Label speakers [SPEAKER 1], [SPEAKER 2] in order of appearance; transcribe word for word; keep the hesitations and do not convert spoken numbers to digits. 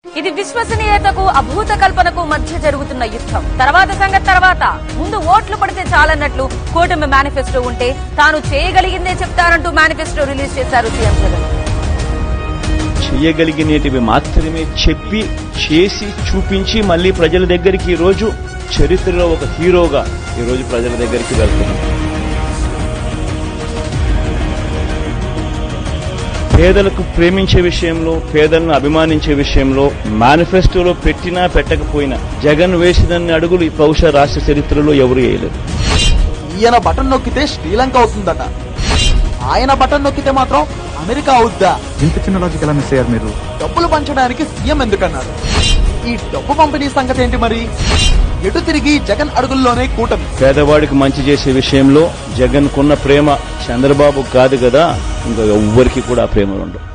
[SPEAKER 1] ఇది విశ్వసనీయతకు అభూత కల్పనకు మధ్య జరుగుతున్న యుద్ధం. తర్వాత సంగతి తర్వాత. ముందు ఓట్లు పడితే చాలన్నట్లు కూటమి మేనిఫెస్టో ఉంటే తాను చేయగలిగిందే చెప్తారంటూ మేనిఫెస్టో రిలీజ్ చేశారు సీఎం జగన్.
[SPEAKER 2] చేయగలిగినటివి మాత్రమే చెప్పి చేసి చూపించి మళ్లీ ప్రజల దగ్గరికి ఈ రోజు చరిత్రలో ఒక హీరోగా ఈ రోజు ప్రజల దగ్గరికి వెళ్తున్నాం. పేదలకు ప్రేమించే విషయంలో, పేదలను అభిమానించే విషయంలో మేనిఫెస్టోలో పెట్టినా పెట్టకపోయినా జగన్ వేసినన్ని అడుగులు బహుశా రాష్ట్ర చరిత్రలో ఎవరు వేయలేదు.
[SPEAKER 3] ఈయన బటన్ నొక్కితే శ్రీలంక అవుతుందట, ఆయన బటన్ నొక్కితే మాత్రం అమెరికా అవుద్దా?
[SPEAKER 4] ఇంత చిన్న లాజిక్ ఎలా మిస్ అయ్యారు మీరు?
[SPEAKER 3] డబ్బులు పంచడానికి సీఎం ఎందుకన్నారు? ఈ డబ్బు పంపిణీ సంగతి ఏంటి మరి? ఎటు తిరిగి జగన్ అడుగుల్లోనే కూటమి.
[SPEAKER 2] పేదవాడికి మంచి చేసే విషయంలో జగన్ కున్న ప్రేమ చంద్రబాబు కాదు కదా, ఇంకా ఎవ్వరికి కూడా ఆ ప్రేమలు ఉండవు.